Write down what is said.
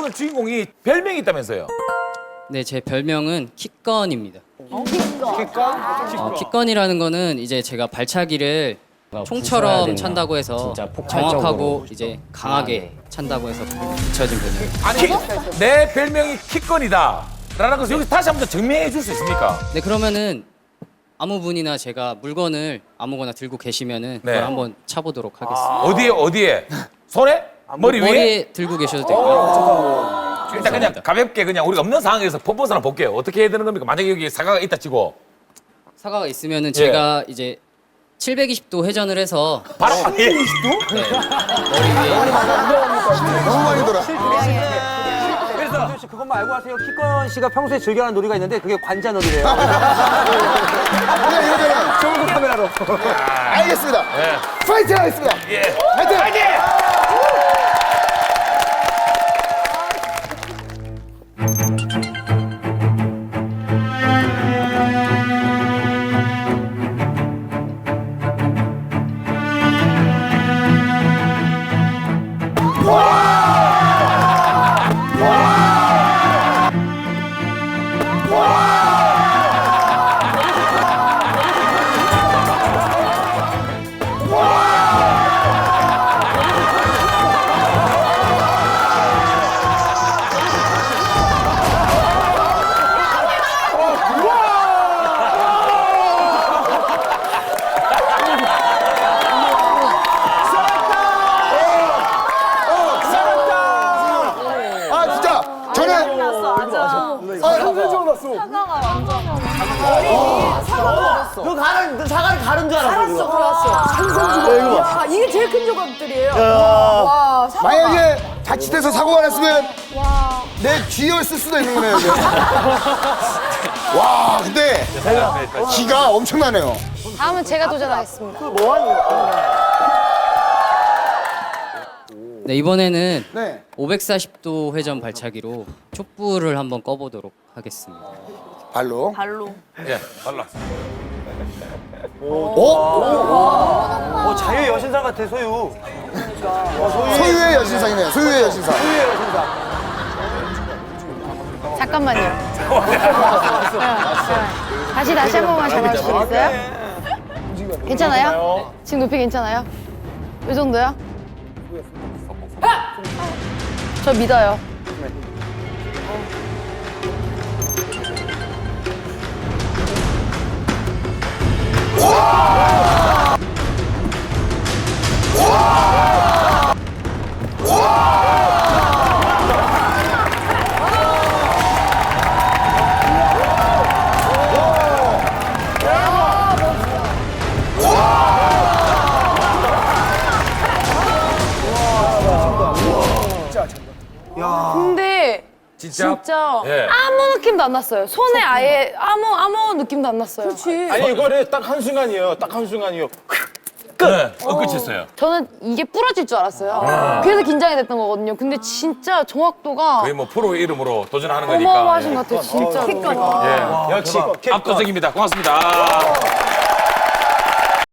오늘 주인공이 별명이 있다면서요? 네, 제 별명은 킥건입니다. 킥건? 킥건이라는 거는 이제 제가 발차기를 총처럼 찬다고 해서 정확하고 이제 강하게 찬다고 해서 붙여진 별명. 아니, 내 별명이 킥건이다. 라는 것을 여기서 다시 한번 증명해 줄 수 있습니까? 네, 그러면은 아무 분이나 제가 물건을 아무거나 들고 계시면은 네. 그걸 한번 차보도록 하겠습니다. 어디에? 손에? 머리 위에? 머리에 들고 계셔도 되고요. 일단 그냥 가볍게 그냥 우리가 없는 상황에서 퍼포먼스 한번 볼게요. 어떻게 해야 되는 겁니까? 만약에 여기 사과가 있다 치고. 사과가 있으면은 제가 이제 720도 회전을 해서 바로 720도? 너무 많이 돌아. 그래서 씨 그것만 알고 하세요. 키건 씨가 평소에 즐겨하는 놀이가 있는데 그게 관자놀이래요. 그냥 이거잖아. 좋은 카메라로. 알겠습니다. 파이팅 하겠습니다. 예. 파이팅! 아 진짜 저는 너 사과를 가른 줄 알았어. 야, 이게 제일 큰 조각들이에요. 와, 사과. 만약에 자칫해서 사고가 났으면 내 귀를 쓸 수도 있는 거네요. 이제. 와 근데 기가 엄청나네요. 다음은 제가 도전하겠습니다. 네, 이번에는 네. 540도 회전 발차기로 촛불을 한번 꺼보도록 하겠습니다. 발로. 발로. 예, 발라. 자유의 여신상 같아 소유. 소유의 여신상이네요. 소유의 여신상. 잠깐만요. 다시 한 번만 잡아주시겠어요? 괜찮아요? 지금 높이 괜찮아요? 이 정도요? 저 믿어요. 근데 진짜 예. 아무 느낌도 안 났어요. 손에 아예 아무 느낌도 안 났어요. 그렇지. 아니 이거를 딱 한순간이에요. 딱 한순간이요. 끝! 끝이었어요. 저는 이게 부러질 줄 알았어요. 그래서 긴장이 됐던 거거든요. 근데 진짜 정확도가 거의 뭐 프로 이름으로 도전하는 거니까. 어마어마하신 것 같아요. 진짜로. 예. 역시 압도적입니다. 고맙습니다.